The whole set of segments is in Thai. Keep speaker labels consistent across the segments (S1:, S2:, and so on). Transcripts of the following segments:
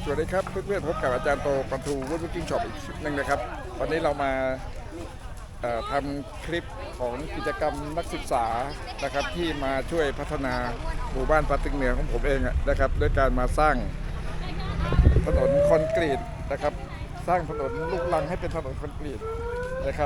S1: สวัสดีครับเพื่อนๆพบกับอาจารย์โตปันทูวุฒิกิ้งช็อปอีกคลิปหนึ่งนะครับวันนี้เรามาทำคลิปของกิจกรรมนักศึกษานะครับที่มาช่วยพัฒนาหมู่บ้านปาตึงเหนือของผมเองนะครับด้วยการมาสร้างถนนคอนกรีตนะครับสร้างถนนลูกรังให้เป็นถนนคอนกรีตนะครับ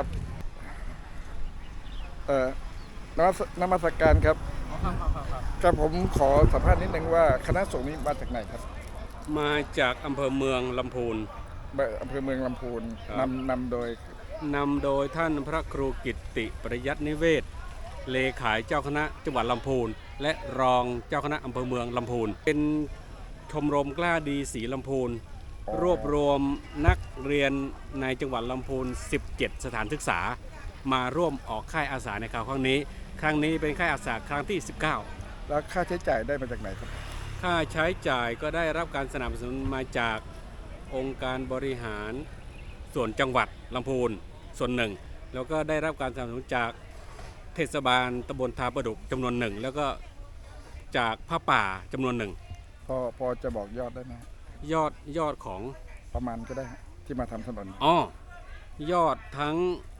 S1: นมัสการครับครับผมขอสัมภาษณ์นิดนึงว่าคณะสงฆ์นี้มาจากไหนครับ
S2: มาจากอำเภอเมืองลำพูน
S1: อำเภอเมืองลำพูนนำโดย
S2: ท่านพระครูกิตติประยัตินิเวศเลขาเจ้าคณะจังหวัดลำพูนและรองเจ้าคณะอำเภอเมืองลำพูนเป็นชมรมกล้าดีศรีลำพูนรวบรวมนักเรียนในจังหวัดลำพูน17 สถานศึกษามาร่วมออกค่ายอาสาในคราวนี้เป็นค่ายอาสาครั้งที่19
S1: แล้วค่าใช้จ่ายได้มาจากไหนครับ
S2: ค่าใช้จ่ายก็ได้รับการสนับสนุนมาจากองค์การบริหารส่วนจังหวัดลำพูนส่วนหนึ่งแล้วก็ได้รับการสนับสนุนจากเทศบาลตำบลทาประดุกจำนวนหนึ่งแล้วก็จากผ้าป่าจำนวนหนึ่ง
S1: พอจะบอกยอดได้ไหม
S2: ยอดของ
S1: ประมาณก็ได้ที่มาทำถนน
S2: ยอดทั้ง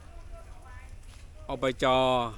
S2: อบจ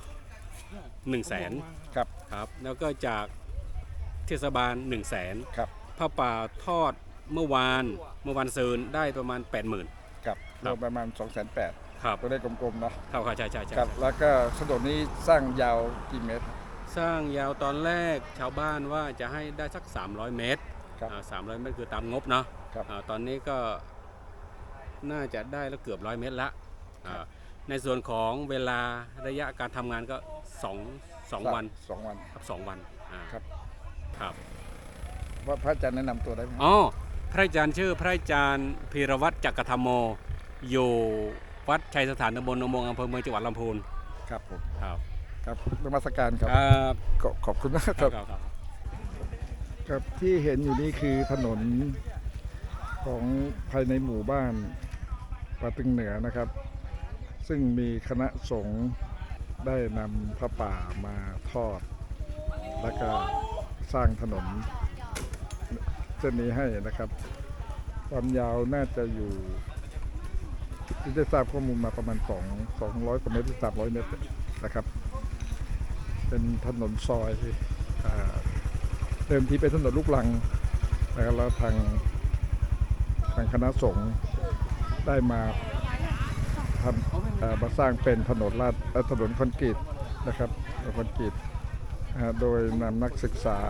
S2: 100,000ครับแล้วก็จากเทศบาล100,000
S1: ครับ
S2: ผ้าป่าทอดเมื่อวานซืนได้ประมาณ 80,000
S1: ครับรวมประมาณ 280,000
S2: ครับ
S1: ก็ได้กลมๆเนาะ
S2: ครับใช่
S1: ครับแล้วก็ถนนนี้สร้างยาวกี่เมตร
S2: สร้างยาวตอนแรกชาวบ้านว่าจะให้ได้สัก300 เมตร300 เมตรคือตามงบเนาะตอนนี้ก็น่าจะได้แล้วเกือบ100 เมตรละในส่วนของเวลาระยะการทำงานก็2 วันครับ2 วันครับ
S1: ว่าพระอาจารย์แนะนำตัวได้ไหม
S2: พระอาจารย์ชื่อพระอาจารย์พีรวัตรจักรธรรมโมอยู่วัดชัยสถานตำบลนมงอำเภอเมืองจังหวัดลำพูน
S1: ครับผม
S2: ครับ
S1: นมัสการครับขอบคุณมากครับครับที่เห็นอยู่นี่คือถนนของภายในหมู่บ้านปาตึงเหนือนะครับซึ่งมีคณะสงฆ์ได้นำพระป่ามาทอดแล้วก็สร้างถนนเส้นนี้ให้นะครับความยาวน่าจะอยู่ที่ได้ทราบข้อมูลมาประมาณ200 กว่าเมตรหรือ300 เมตรนะครับเป็นถนนซอยเดิมทีเป็นถนนลูกรังนะครับแล้วทางคณะสงฆ์ได้มาสร้างเป็นถนนถนนคอนกรีตนะครับคอนกรีตโดยนำนักศึกษา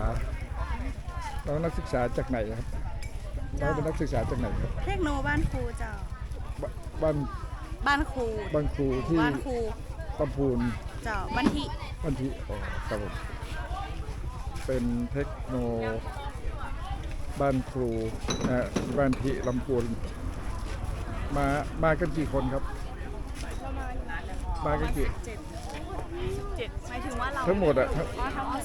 S1: จากไหนครับน้องเป็นนักศึกษาจากไหนครับ
S3: เทคโนบ้านครูเจ้าบ้านครูที่
S1: ลำพูน
S3: เจ้าบ้านทิ
S1: ครับผมเป็นเทคโนบ้านครูบ้านทิลำพูนมากันกี่คนครับมากันกี่
S3: 17หมายถึงว่าเรา
S1: ทั้งหมด
S3: ทั้งหมด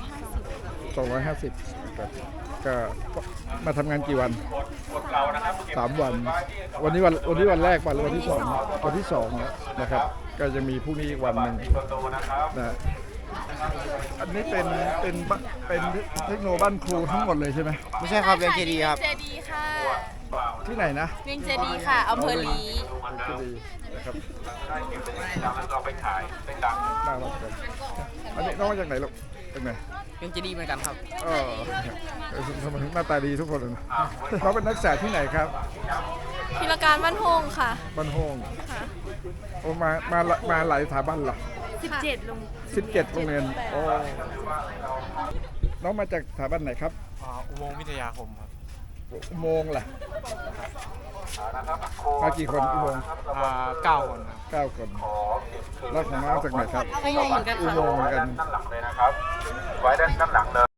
S1: 250ครับก็มาทำงานกี่วัน3 วันวันนี้วันแรกวันที่2นะครับก็จะมีพรุ่งนี้อีกวันหนึ่งนะอันนี้เป็นเทคโนบ้านครูทั้งหมดเลยใช่ไหม
S4: ไม่ใช่ครับเวียงเจดีครับ
S3: เจดีค่ะ
S1: ที่ไหนนะ
S3: เวียงเจดีค่ะอำเภอลี
S1: เจดีนะครับเราไปขายไปดังน่ารักเลยอันนี้น้องมาจากไหนลูกจากไหน
S4: เวียงเจดีเหมือนกันครับ
S1: ทำไมหน้าตาดีทุกคนเลยน้องเป็นนักศึกษาที่ไหนครับ
S3: พิรการบ้านโฮงค่ะ
S1: บ้านโฮงโอ้มาหลายสถาบันเหรอ
S3: 17
S1: โรงเรียนโอ้น้องมาจากสถาบันไหนครับ
S4: อุโมงค์วิทยาคมครับ
S1: อุโมงค์ล่ะมากี่คนอุโมงค์
S4: 9 คนครับ
S1: 9 คนแล้วของน้องจากไหนครับ
S3: อุโมงค์เหมือนกัน
S1: อุโมงค์เหมือนกัน
S5: ด้านหลังเลยนะครับไว้ด้านหลังเลย